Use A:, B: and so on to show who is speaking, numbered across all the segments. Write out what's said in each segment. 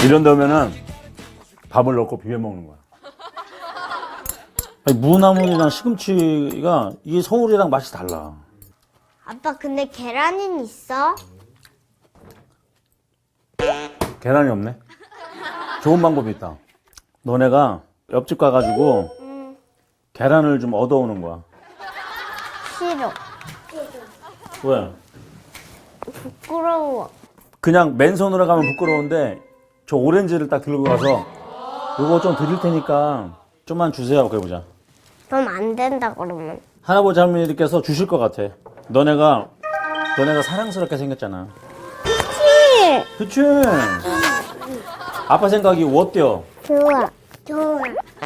A: 이런 다음에는 밥을 넣고 비벼 먹는 거야. 아니, 무나물이랑 시금치가 이게 서울이랑 맛이 달라.
B: 아빠 근데 계란은 있어?
A: 계란이 없네. 좋은 방법이 있다. 너네가 옆집 가가지고 계란을 좀 얻어오는 거야.
B: 싫어.
A: 왜?
B: 부끄러워.
A: 그냥 맨손으로 가면 부끄러운데 저 오렌지를 딱 들고 가서 이거 좀 드릴 테니까 좀만 주세요. 그래보자.
B: 그럼 안 된다 그러면.
A: 할아버지 할머니들께서 주실 것 같아. 너네가 사랑스럽게 생겼잖아.
B: 그치?
A: 그치? 아빠 생각이 어때요?
B: 좋아. 좋아.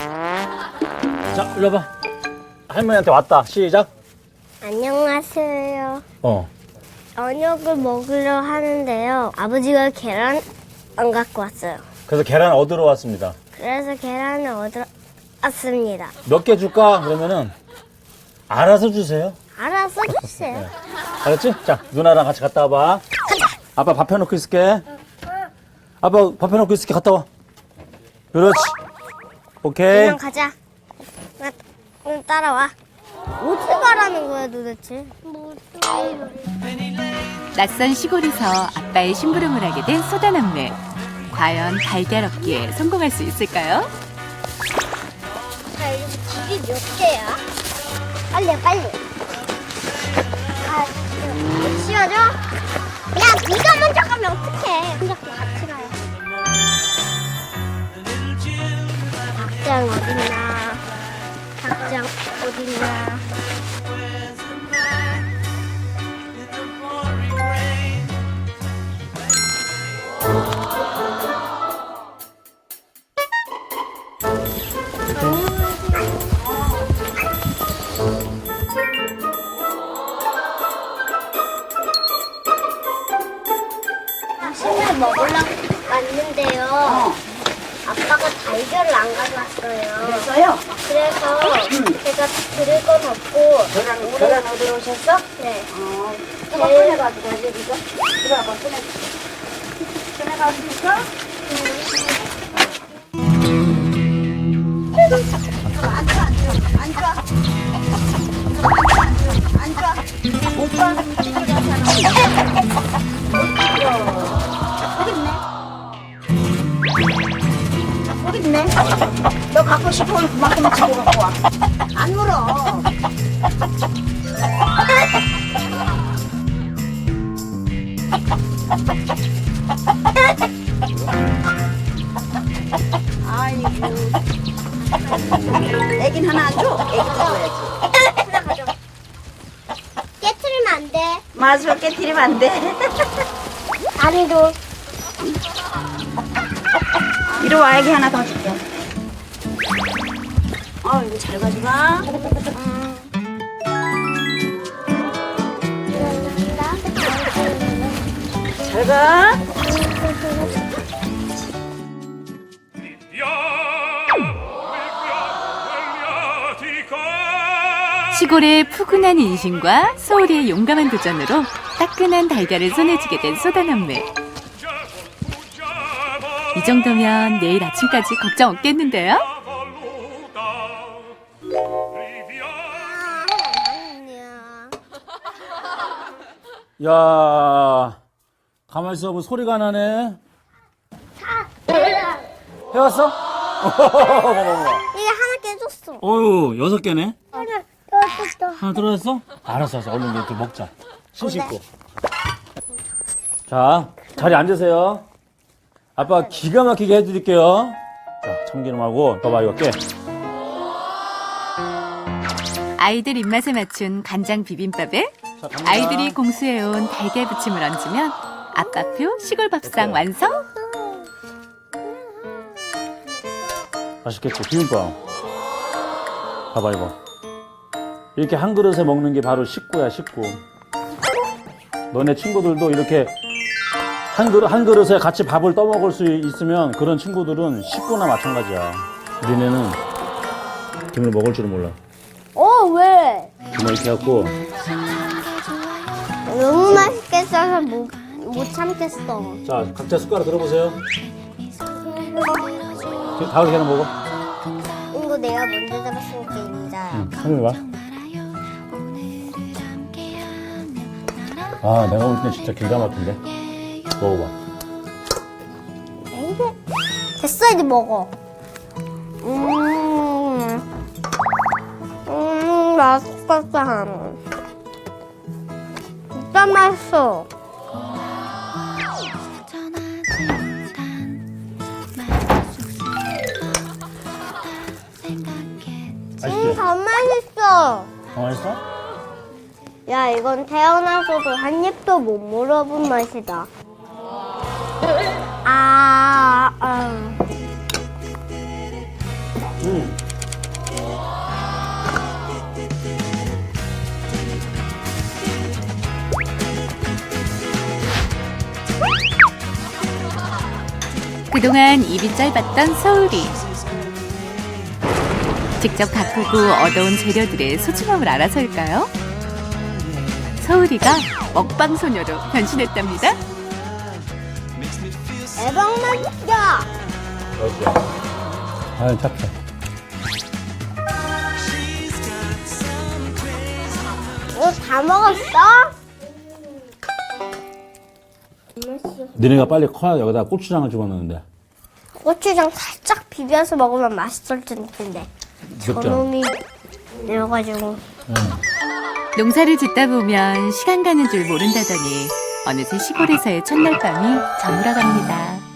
A: 자, 일로 와봐. 할머니한테 왔다. 시작.
B: 안녕하세요.
A: 어.
B: 저녁을 먹으려 하는데요. 아버지가 계란 안 갖고 왔어요.
A: 그래서 계란 얻으러 왔습니다.
B: 그래서 계란을 얻으러 왔습니다.
A: 몇 개 줄까? 그러면은 알아서 주세요.
B: 알아서 주세요.
A: 알았지? 자, 누나랑 같이 갔다 와봐. 아빠 밥 해놓고 있을게. 아빠 밥 해놓고 있을게. 갔다 와. 그렇지. 오케이.
B: 그냥 가자. 응, 따라와. 어디 가라는 거야 도대체?
C: 낯선 시골에서 아빠의 심부름을 하게 된 소다남매. 과연 달걀 얻기에 성공할 수 있을까요?
B: 자, 이거 길이 몇 개야? 빨리, 빨리. 씌워줘? 야, 네가 먼저 가면 어떡해. 혼자 같이 가요. 닭장 어딨나? 닭장 어딨나? 점심을 먹으려고 왔는데요. 아빠가 달걀을 안 가져왔어요.
D: 그래서요?
B: 그래서 제가 들을 건 없고.
D: 계란 얻으러 오셨어?
B: 네.
D: 누가 꺼내가지고 가지, 이거? 들어가봐, 꺼내가지고. 여기 있네. 너 갖고 싶으면 그만큼 집어 갖고 와. 안 물어. 아이고. 애긴 하나 안 줘? 애기도 줘야지.
B: 깨트리면 안 돼.
D: 맞아, 깨트리면 안 돼.
B: 다리도.
D: 이리 와, 애기 하나 더 줄게. 이거 잘 가져가. 잘 가.
C: 시골의 푸근한 인심과 서울의 용감한 도전으로 따끈한 달걀을 손에 쥐게 된 소다남매. 이 정도면 내일 아침까지 걱정 없겠는데요?
A: 야, 가만히 있어보면 소리가 나네. 해왔어?
B: 이게 하나 깨졌어.
A: 어휴, 6개네.
B: 하나 깨졌어.
A: 하나 들어왔어? 알았어. 얼른 이제 먹자. 신 씻고. 자, 자리 앉으세요. 아빠 기가 막히게 해드릴게요. 자, 참기름하고, 봐봐, 이거 깨.
C: 아이들 입맛에 맞춘 간장 비빔밥에
A: 자, 갑니다.
C: 아이들이 공수해온 달걀 부침을 얹으면 아빠표 시골 밥상 완성!
A: 맛있겠지, 비빔밥. 봐봐, 이거. 이렇게 한 그릇에 먹는 게 바로 식구야, 식구. 너네 친구들도 이렇게 한 그릇에 같이 밥을 떠먹을 수 있으면 그런 친구들은 식구나 마찬가지야. 우리네는 김을 먹을 줄은 몰라.
B: 왜?
A: 김을 이렇게 갖고
B: 너무 맛있게 써서 못 참겠어.
A: 자, 각자 숟가락 들어보세요. 다을 계란 먹어.
B: 이거 내가 먼저 잡았으니까 인자야.
A: 응, 한입 봐. 아, 내가 볼 때 진짜 기가 막힌데. 먹어봐.
B: 이게 됐어 이제 먹어. 맛있겠다. 진짜 맛있어.
A: 맛있지?
B: 더 맛있어.
A: 더 맛있어?
B: 야, 이건 태어나서도 한 입도 못 물어본 맛이다.
C: 그동안 입이 짧았던 서울이 직접 가꾸고 얻어온 재료들의 소중함을 알아서일까요? 서울이가 먹방 소녀로 변신했답니다.
B: 대박 맛있다.
A: 맛있어. 아, 잡채.
B: 이거 다 먹었어?
A: 너네가 빨리 커야 여기다 고추장을 집어넣는데.
B: 고추장 살짝 비벼서 먹으면 맛있을 텐데. 저놈이 이래가지고.
C: 농사를 짓다 보면 시간 가는 줄 모른다더니 어느새 시골에서의 첫날 밤이 저물어갑니다.